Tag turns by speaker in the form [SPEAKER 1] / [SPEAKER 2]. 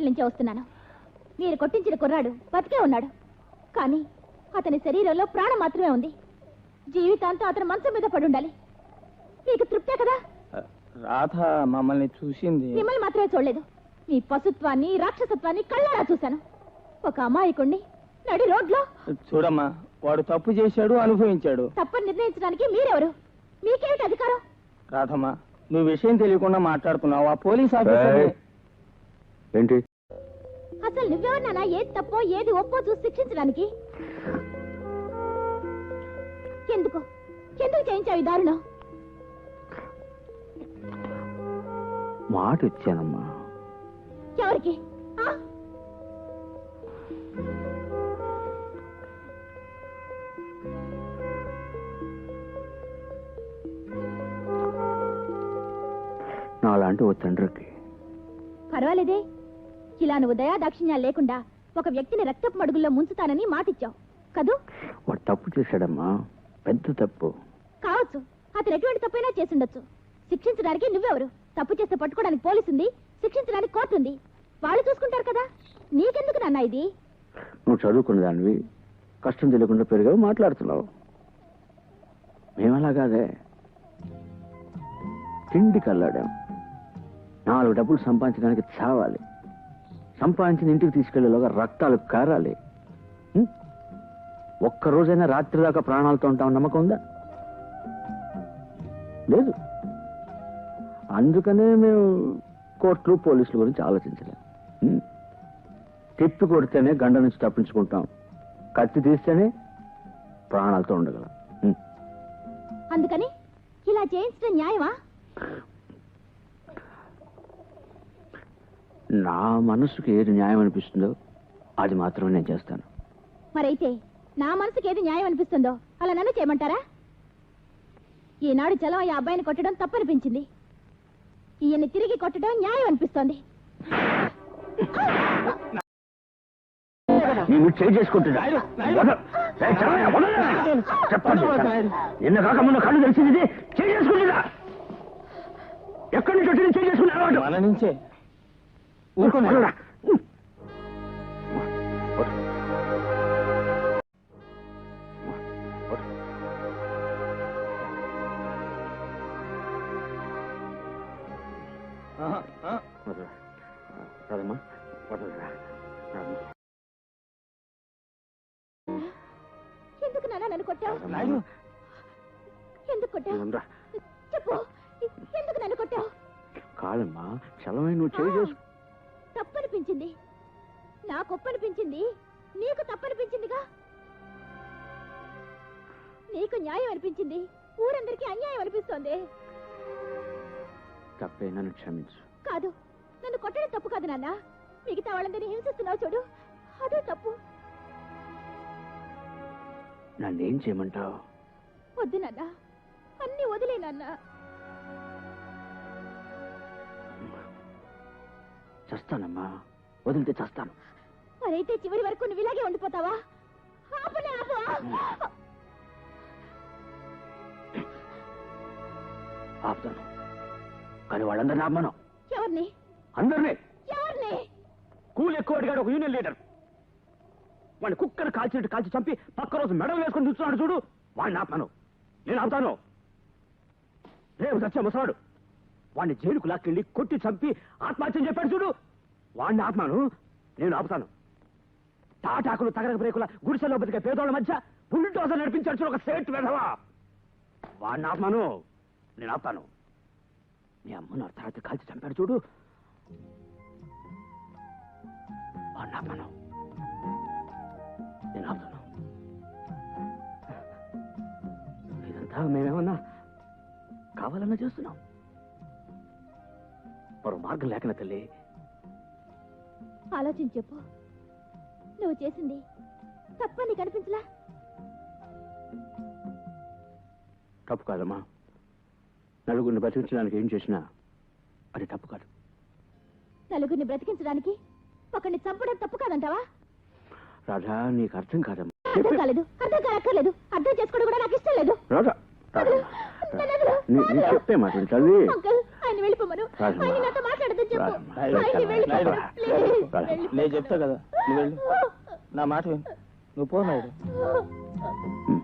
[SPEAKER 1] Hospital నుంచి వస్తున్నాను. మీరు కొట్టించిన కుర్రాడు బతికే ఉన్నాడు, కానీ అతని శరీరంలో ప్రాణం మాత్రమే ఉంది. జీవితాంతం అతను మంచం మీద పడి ఉండాలి. మీకు తృప్తే కదా?
[SPEAKER 2] రాధ మమ్మల్ని చూసింది.
[SPEAKER 1] మిమ్మల్ని మాత్రమే చూడలేదు, మీ పశుత్వాన్ని రాక్షసత్వాన్ని కళ్ళారా చూశాను. ఒక అమాయకుణ్ణి నడి రోడ్లో.
[SPEAKER 2] చూడమ్మా, వాడు తప్పు చేశాడు, అనుభవించాడు.
[SPEAKER 1] తప్పని నిర్ణయించడానికి మీరెవరు? మీకేమిటి అధికారం?
[SPEAKER 2] రాధమ్మా, నువ్వు విషయం తెలియకుండా మాట్లాడుతున్నావు. ఆ పోలీస్ ఆఫీసర్
[SPEAKER 3] ఏంటి?
[SPEAKER 1] అసలు నువ్వెవరినానా ఏది తప్పో ఏది ఒప్పో చూసి శిక్షించడానికి? ఎందుకు ఎందుకు చేయించావు ఈ దారుణం?
[SPEAKER 3] మాట ఇచ్చానమ్మా.
[SPEAKER 1] ఎవరికి?
[SPEAKER 3] నాలాంటి ఓ తండ్రికి.
[SPEAKER 1] పర్వాలేదే, ఇలా నువ్వు దయా దాక్షిణ్యాలు లేకుండా ఒక వ్యక్తిని రక్తపు మడుగుల్లో ముంచుతానని మాటిచ్చావు కదూ?
[SPEAKER 3] వాడు తప్పు చేశాడమ్మా, పెద్ద తప్పు.
[SPEAKER 1] కావచ్చు, అతను ఎటువంటి తప్పైనా చేసుండొచ్చు. శిక్షించడానికి నువ్వెవరు? తప్పు చేస్తే పట్టుకోవడానికి పోలీసు ఉంది, శిక్షించడానికి కోర్టు ఉంది. వాళ్ళు చూసుకుంటారు కదా, నీకెందుకు నాన్న ఇది?
[SPEAKER 3] నువ్వు చదువుకున్న దానివి, కష్టం తెలియకుండా పెరిగావు, మాట్లాడుతున్నావు. మేమలా కాదే, తిండికి అల్లాడాం. 4 డబ్బులు సంపాదించడానికి చావాలి, సంపాదించిన ఇంటికి తీసుకెళ్లేలోగా రక్తాలు కారాలి. ఒక్కరోజైనా రాత్రి దాకా ప్రాణాలతో ఉంటామని నమ్మకం ఉందా? లేదు. అందుకనే మేము కోర్టులు పోలీసుల గురించి ఆలోచించలేం. తిప్పి కొడితేనే గండ నుంచి తప్పించుకుంటాం, కత్తి తీస్తేనే ప్రాణాలతో ఉండగలం.
[SPEAKER 1] అందుకని ఇలా చేయించడం న్యాయమా?
[SPEAKER 3] నా మనసుకి ఏది న్యాయం అనిపిస్తుందో అది మాత్రమే నేను చేస్తాను.
[SPEAKER 1] మరైతే నా మనసుకి ఏది న్యాయం అనిపిస్తుందో అలా నన్ను చేయమంటారా? ఈనాడు చలం ఈ అబ్బాయిని కొట్టడం తప్పనిపించింది, ఈయన్ని తిరిగి కొట్టడం న్యాయం అనిపిస్తోంది.
[SPEAKER 3] నిన్న కాక మొన్న కళ్ళు తెలిసింది చేసుకుంటుందా? ఎక్కడి నుంచి వచ్చి చేసుకున్నా?
[SPEAKER 2] మన నుంచే. ఊరుకోండి.
[SPEAKER 3] రాదమ్మా,
[SPEAKER 1] ఎందుకు నాన్న నన్ను కొట్టావు? ఎందుకు కొట్టావు చెప్పు, ఎందుకు నన్ను కొట్టావు?
[SPEAKER 3] కాదమ్మా, చలమై నువ్వు చేసు.
[SPEAKER 1] తప్పనిపించింది, నాకు ఒప్పనిపించింది, నీకు తప్పనిపించిందిగా. నీకు న్యాయం అనిపించింది, ఊరందరికీ అన్యాయం అనిపిస్తోంది.
[SPEAKER 3] తప్పే, నన్ను క్షమించు.
[SPEAKER 1] కాదు, నన్ను కొట్టడం తప్పు కాదు నాన్న, మిగతా వాళ్ళందరినీ హింసిస్తున్నావు చూడు, అదే తప్పు.
[SPEAKER 3] నన్నేం చేయమంటావు?
[SPEAKER 1] వద్దు నాన్న, అన్ని వదిలే నాన్న.
[SPEAKER 3] చస్తానమ్మా, వదిలితే చస్తాను.
[SPEAKER 1] మరైతే చివరి వరకు నువ్వు ఇలాగే ఉండిపోతావా? ఆపనే ఆపు.
[SPEAKER 3] ఆపుతాను, కానీ వాళ్ళందరినీ ఆపమను.
[SPEAKER 1] ఎవరిని?
[SPEAKER 3] అందరినీ.
[SPEAKER 1] ఎవరిని?
[SPEAKER 3] కూలి ఎక్కువ అడిగాడు ఒక యూనియన్ లీడర్. వాడిని కుక్కను కాల్చినట్టు కాల్చి చంపి పక్క రోజు మెడలు వేసుకొని చూస్తున్నాడు చూడు, వాడిని ఆపమను. నేను ఆపుతాను. రేపు చచ్చే ముసలాడు వాడిని జైలుకు లాక్కెళ్ళి కొట్టి చంపి ఆత్మహత్యం చెప్పాడు చూడు, వాడిని ఆత్మను నేను ఆపుతాను. తాటాకులు తగరక బ్రేకుల గుడిసెలో బతికే పేదోళ్ళ మధ్య బుల్డోజర్ నడిపించాడు చూడు ఒక సేట్ వెధవా, వాడిని ఆత్మను నేను ఆపుతాను. నీ అమ్మను అర్ధరాత్రి కాల్చి చంపాడు చూడు, వాడిని ఆత్మను నేను ఆపుతాను. ఇదంతా మేమేమన్నా కావాలన్నా చేస్తున్నాం, మరో మార్గం లేకనా తల్లి?
[SPEAKER 1] ఆలోచించి చెప్పు, నువ్వు చేసింది తప్పని కనిపించలా?
[SPEAKER 3] తప్పు కాదమ్మా, నలుగురిని బతికించడానికి ఏం చేసినా అది తప్పు కాదు.
[SPEAKER 1] నలుగురిని బ్రతికించడానికి ఒకరిని చంపడం తప్పు కాదంటావా?
[SPEAKER 3] రాధా, నీకు అర్థం కాదమ్మా.
[SPEAKER 1] అర్థం కాలేదు, అర్థం కాక్కర్లేదు, అర్థం చేసుకోవడం కూడా నాకు ఇష్టం లేదు.
[SPEAKER 3] రాధా, చెప్పే మాట తల్లి.
[SPEAKER 1] ఆయన వెళ్ళిపోమను.
[SPEAKER 3] రాజమ్మ.
[SPEAKER 1] ఆయన నాతో మాట్లాడదని చెప్పు.
[SPEAKER 3] రాజమ్మ.
[SPEAKER 1] ఆయన వెళ్ళిపోమను.
[SPEAKER 3] రాజమ్మ.
[SPEAKER 1] ప్లీజ్,
[SPEAKER 3] రాజమ్మ.
[SPEAKER 1] వెళ్ళిపోమను.
[SPEAKER 2] నేను చెప్తా కదా నువ్వు వెళ్ళు నా మాట విను నువ్వు పో నాయుడు